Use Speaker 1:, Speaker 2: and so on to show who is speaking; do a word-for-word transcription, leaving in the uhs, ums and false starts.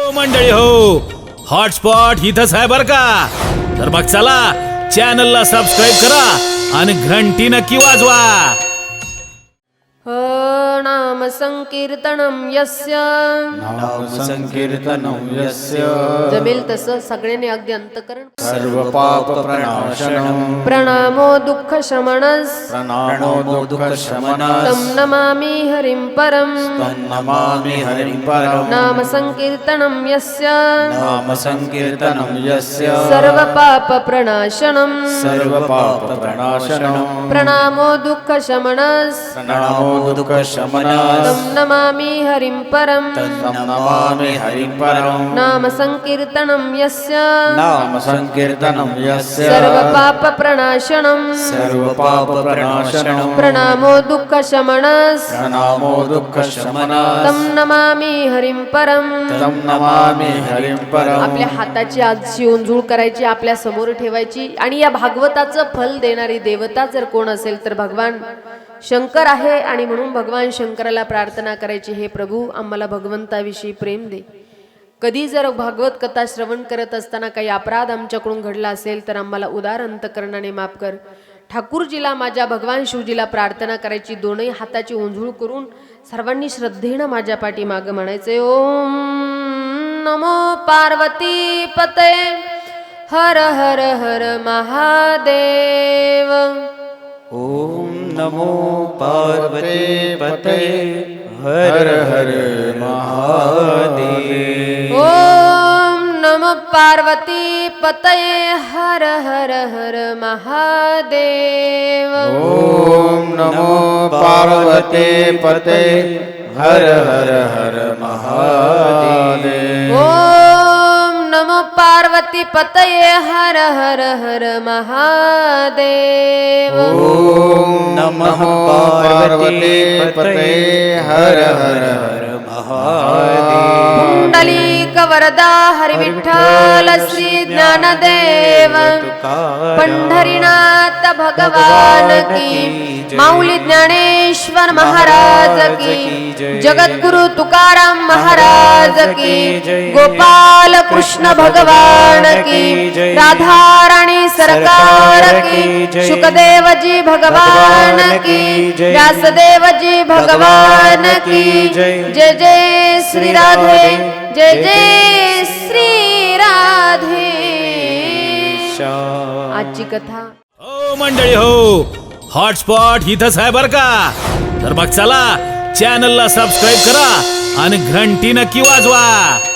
Speaker 1: मंडळी हो, हॉटस्पॉट इथंच आहे बर का. तर मग चला चॅनलला सबस्क्राईब करा आणि घंटी नक्की वाजवा.
Speaker 2: नाम संकीर्तनम यस्य
Speaker 3: नाम संकीर्तनम यस्य
Speaker 2: जमेल तसं सगळ्यांनी अगदी अंतकरण
Speaker 3: सर्व पाप प्रणाशनम
Speaker 2: प्रणामो दुःख शमनस
Speaker 3: प्रणामो दुःख शमनस
Speaker 2: तम नमामि हरिं परम
Speaker 3: तं नमामि हरिं परम
Speaker 2: नाम संकीर्तनम यस्य
Speaker 3: नाम संकीर्तनम यस्य
Speaker 2: सर्व पाप प्रणाशनम
Speaker 3: सर्व पाप प्रणाशनम
Speaker 2: प्रणामो दुःख शमनस
Speaker 3: प्रणामो दुःख शमनस
Speaker 2: तम नमामि हरिं परम
Speaker 3: तं नमामि हरिं परम
Speaker 2: नाम संकीर्तनम यस्य
Speaker 3: नाम संकीर्तनम यस्य
Speaker 2: सर्व पाप प्रणाशनम
Speaker 3: सर्व पाप प्रणाशनम
Speaker 2: प्रणामो दुःख शमनस
Speaker 3: प्रणामो दुःख शमनस
Speaker 2: तम नमामि हरिं परम
Speaker 3: तं नमामि हरिं परम
Speaker 2: आपल्या हाताची आजची उंजूळ करायची, आपल्या समोर ठेवायची आणि या भागवताचं फल देणारी देवता जर कोण असेल तर भगवान शंकर आहे. आणि म्हणून भगवान शंकराला प्रार्थना करायची, हे प्रभू आम्हाला भगवंताविषयी प्रेम दे. कधी जर भागवत कथा श्रवण करत असताना काही अपराध आमच्याकडून घडला असेल तर आम्हाला उदार अंतकरणाने माफ कर. ठाकूरजीला, माझ्या भगवान शिवजीला प्रार्थना करायची, दोनही हाताची उंजूळ करून सर्वांनी श्रद्धेनं माझ्या पाठीमागं म्हणायचे, ओम नमो पार्वती पते हर हर हर महादेव.
Speaker 3: ओम नमो पार्वती पते हर हर महादेव.
Speaker 2: ओम नमो पार्वती पतये हर हर हर महादेव.
Speaker 3: ओम नमो पार्वती पते हर हर हर महादेव.
Speaker 2: ओम नमो पार्वती पतये हर हर हर महादेव.
Speaker 3: ओम नमः पार्वती पते हर हर हर महादेव.
Speaker 2: पुंडलीक वरदा हरि विठ्ठल श्री ज्ञानदेव पंढरीनाथ भगवान की, माऊली ज्ञानेश्वर महाराज की, जगद्गुरु तुकाराम महाराज की, गोपाल कृष्ण भगवान की, राधा राणी सरकार की, शुकदेव जी भगवान की, व्यासदेव जी भगवान की. जय जय श्री राधे, जय जय श्री राधे. आजची कथा.
Speaker 1: हो मंडळी हो, हॉटस्पॉट इथंच आहे बर का. तर मग चला चॅनलला सबस्क्राईब करा आणि घंटी नक्की वाजवा.